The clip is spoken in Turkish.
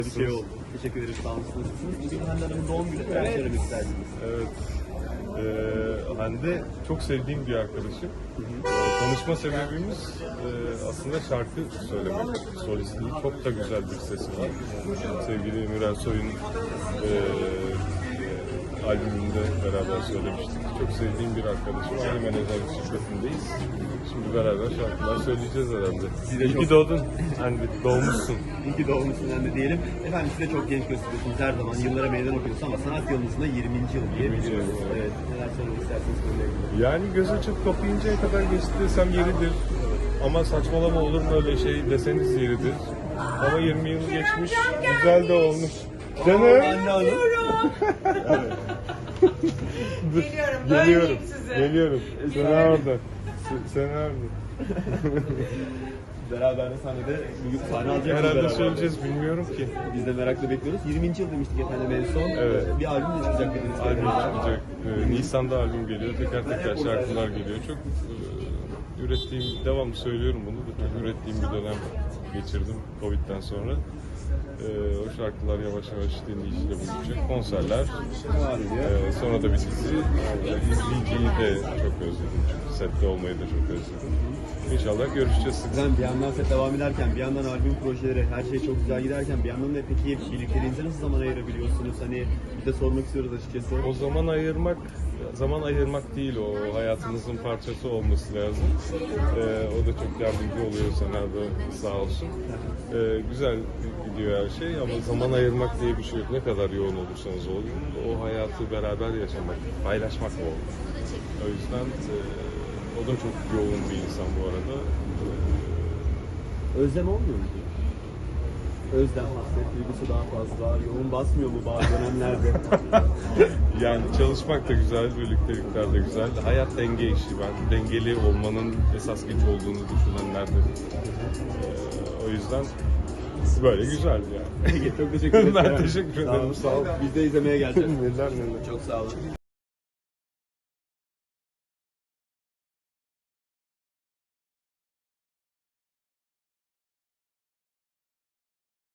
Bir şey oldu. Teşekkür ederiz. Sağ olun. Nasılsınız? Bugün Hande Hanım'ın doğum günü. Neler söylemek isterdiniz? Evet. Hande çok sevdiğim bir arkadaşım. Tanışma sebebimiz aslında şarkı söylemek. Solistliği çok da güzel bir sesi var. Sevgili Müren Soy'un albümünde beraber söylemiştik. Çok sevdiğim bir arkadaşım. Aynı menajer şirketindeyiz. Şimdi beraber şarkılar söyleyeceğiz herhalde. İyi ki doğdun. Hande, doğmuşsun. İyi ki doğmuşsun Hande diyelim. Efendim siz de çok genç gösteriyorsunuz her zaman. Yıllara meydan okuyorsunuz ama sanat yılınızda 20. yıl diye 20. biliyoruz. yıl, evet. Evet. Neler söylemek isterseniz konuyla ilgili. Yani göz açıp kapayıncaya kadar geçti desem yeridir. Ama saçmalama olur mu öyle şey deseniz yeridir. Ama 20 yıl geçmiş, güzel de olmuş. Canım. Hande Hanım. Geliyorum. Geliyorum. Öyleyim size. Geliyorum. Sen orada. Sen orada. Beraber de sahnede bugün sahne alacaksınız Herhalde beraber. söyleyeceğiz, bilmiyorum ki. Biz de merakla bekliyoruz. 20. yıl demiştik efendim en son. Evet. Bir albüm de çıkacak dediniz. Albüm çıkacak. Nisan'da albüm geliyor. Teker teker şarkılar geliyor. Çok ürettiğim, devamlı söylüyorum bunu da çok ürettiğim bir dönem geçirdim Covid'den sonra. O şarkılar yavaş yavaş dinleyiciyle buluşacak. Konserler, sonra da bir dizi. İzleyiciyi de çok özledim. Çünkü sette olmayı da çok özledim. İnşallah görüşeceğiz sık sık. Sen bir yandan set devam ederken, bir yandan albüm projeleri, her şey çok güzel giderken bir yandan da peki birlikteliğinize nasıl zaman ayırabiliyorsunuz? Hani bir de sormak istiyoruz açıkçası. O zaman ayırmak değil, o hayatınızın parçası olması lazım. O da çok yardımcı oluyor senaryo, sağ olsun. Güzel gidiyor her şey ama zaman ayırmak diye bir şey yok. Ne kadar yoğun olursanız olun, o hayatı beraber yaşamak, paylaşmak o. O yüzden o da çok yoğun bir insan bu arada. Özlem olmuyor mu? Özlem, hasret duygusu daha fazla, yoğun basmıyor mu bazı dönemlerde? Yani çalışmak da güzel, birliktelikler de güzel. Hayat denge işi. Ben dengeli olmanın esas güç olduğunu düşünenlerden. O yüzden böyle güzel yani. Çok teşekkür ederim. Ben teşekkür ederim. Sağ ol. Biz de izlemeye geleceğiz. Neler neler. Çok sağ olun.